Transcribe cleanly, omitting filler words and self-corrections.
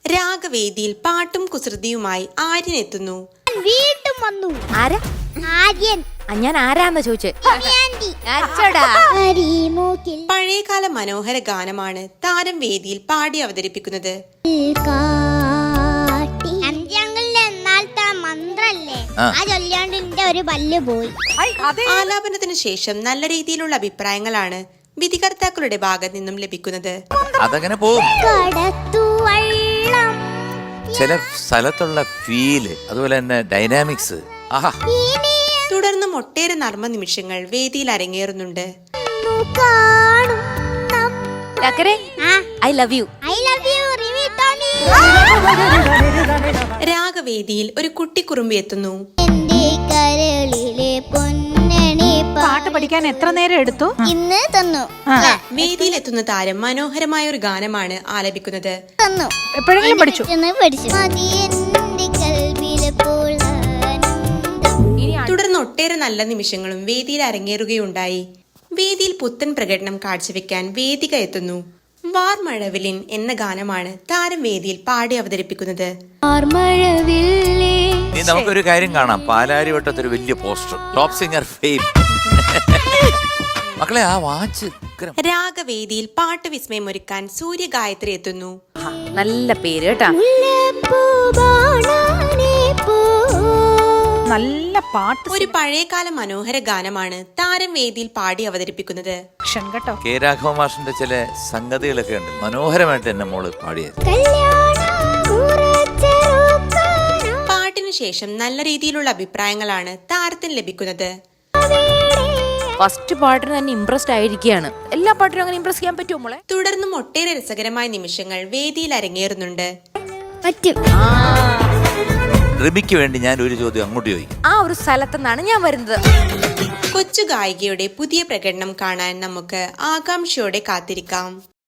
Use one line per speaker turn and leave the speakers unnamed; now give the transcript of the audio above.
രാഗവേദിയിൽ പാട്ടും കുസൃതിയുമായി ആര്യൻ എത്തുന്നു.
വീണ്ടും വന്നു.
ആരാ?
ആര്യൻ.
ഞാൻ ആരാന്ന് ചോദിച്ചേ.
പഴയകാല മനോഹര ഗാനമാണ് താരം വേദിയിൽ പാടി അവതരിപ്പിക്കുന്നത്. ആലാപനത്തിന് ശേഷം നല്ല രീതിയിലുള്ള അഭിപ്രായങ്ങളാണ് വിധികർത്താക്കളുടെ ഭാഗത്ത് നിന്നും ലഭിക്കുന്നത്.
അതങ്ങനെ പോകും. ചില സ്ഥലത്തുള്ള ഫീല്, അതുപോലെ തന്നെ ഡൈനാമിക്സ്.
തുടർന്നും ഒട്ടേറെ നർമ്മ നിമിഷങ്ങൾ വേദിയിൽ അരങ്ങേറുന്നുണ്ട്. രാഗവേദിയിൽ ഒരു കുട്ടിക്കുറുമ്പി എത്തുന്നു.
പാട്ട് പഠിക്കാൻ എത്ര നേരം എടുത്തു?
ഇന്ന് തന്നു.
വേദിയിൽ എത്തുന്ന താരം മനോഹരമായ ഒരു ഗാനമാണ് ആലപിക്കുന്നത്.
എപ്പോഴെങ്കിലും പഠിച്ചു?
തുടർന്ന് ഒട്ടേറെ നല്ല നിമിഷങ്ങളും വേദിയിൽ അരങ്ങേറുകയുണ്ടായി. വേദിയിൽ പുത്തൻ പ്രകടനം കാഴ്ചവെക്കാൻ വേദിക എത്തുന്നു. വാർമഴവില്ലിൻ എന്ന ഗാനമാണ് താരം വേദിയിൽ പാടി അവതരിപ്പിക്കുന്നത്.
നമുക്കൊരു കാര്യം കാണാം. പാലാരിവട്ടത്തൊരു വലിയ പോസ്റ്റർ, ടോപ്പ് സിംഗർ ഫെയിം. മക്കളെ, ആ വാച്ച്.
രാഗവേദിയിൽ പാട്ട് വിസ്മയമൊരുക്കാൻ സൂര്യഗായത്രി എത്തുന്നു.
നല്ല പേര് കേട്ടാ.
നല്ല പാട്ട്.
ഒരു പഴയകാല മനോഹര ഗാനമാണ് താരം വേദിയിൽ പാടി അവതരിപ്പിക്കുന്നത്.
കേട്ടോ,
കെ രാഘവ മാഷിന്റെ ചില സംഗതികളൊക്കെ ഉണ്ട്. മനോഹരമായിട്ട് എന്നെ മോള് പാടിയത്.
പാട്ടിനു ശേഷം നല്ല രീതിയിലുള്ള അഭിപ്രായങ്ങളാണ് താരത്തിന് ലഭിക്കുന്നത്.
ഫസ്റ്റ് പാട്ടിന് തന്നെ ഇംപ്രസ്ഡ് ആയിരിക്കുകയാണ്. എല്ലാ പാട്ടിനും അങ്ങനെ ഇംപ്രസ് ചെയ്യാൻ പറ്റുമോ മോളെ?
തുടർന്നും ഒട്ടേറെ രസകരമായ നിമിഷങ്ങൾ വേദിയിൽ അരങ്ങേറുന്നുണ്ട്.
റിമിക്ക് വേണ്ടി ഞാൻ ഒരു ചോദ്യം അങ്ങോട്ട് ചോദിക്കും.
ആ ഒരു സ്ഥലത്തുനിന്നാണ് ഞാൻ വരുന്നത്.
കൊച്ചു ഗായികയുടെ പുതിയ പ്രകടനം കാണാൻ നമുക്ക് ആകാംക്ഷയോടെ കാത്തിരിക്കാം.